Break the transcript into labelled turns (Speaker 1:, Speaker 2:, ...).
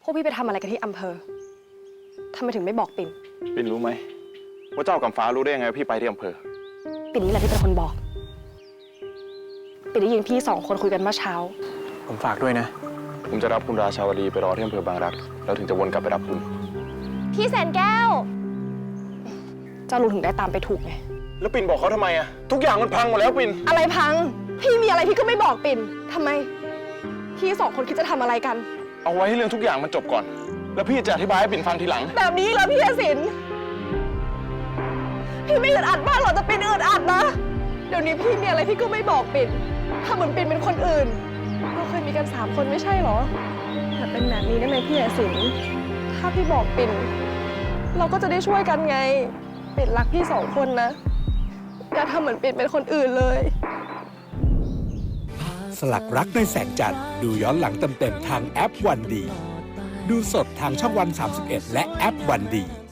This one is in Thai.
Speaker 1: พวกพี่ไปทำอะไรกันที่อำเภอทำไมถึงไม่บอกปิ่น
Speaker 2: ปิ่นรู้ไหมว่าเจ้ากับฟ้ารู้ได้ยังไงว่าพี่ไปที่อำเภอ
Speaker 1: ปิ่นนี่แหละที่เป็นคนบอกปิ่นได้ยินพี่สองคนคุยกันเมื่อเช้า
Speaker 3: ผมฝากด้วยนะ
Speaker 2: ผมจะรับคุณราชาวดีไปรอที่อำเภอบางรักแล้วถึงจะวนกลับไปรับคุณ
Speaker 1: พี่แสนแก้วเจ้าลุงถึงได้ตามไปถูกไง
Speaker 2: แล้วปิ่นบอกเขาทำไมอะทุกอย่างมันพังหมดแล้วปิ่น
Speaker 1: อะไรพังพี่มีอะไรพี่ก็ไม่บอกปิ่นทำไมพี่สองคนคิดจะทำอะไรกัน
Speaker 2: เอาไว้ให้เรื่องทุกอย่างมันจบก่อนแล้วพี่จะอธิบายให้ปิ่นฟังทีหลัง
Speaker 1: แบบนี้เหรอพี่ศิลป์พี่ไม่อึดอัดบ้างหรอจะปิ่นอึดอัดนะเดี๋ยวนี้พี่มีอะไรพี่ก็ไม่บอกปิ่นถ้าเหมือนปิ่นเป็นคนอื่นเราเคยมีกัน3 คนไม่ใช่หรอแต่เป็นแบบนี้ได้ไหมพี่ศิลป์ถ้าพี่บอกปิ่นเราก็จะได้ช่วยกันไงปิ่นรักพี่2 คนนะอย่าทำเหมือนปิ่นเป็นคนอื่นเลย
Speaker 4: สลักรักในแสงจันทร์ดูย้อนหลังเต็มๆทางแอปวันดีดูสดทางช่องวัน31และแอปวันดี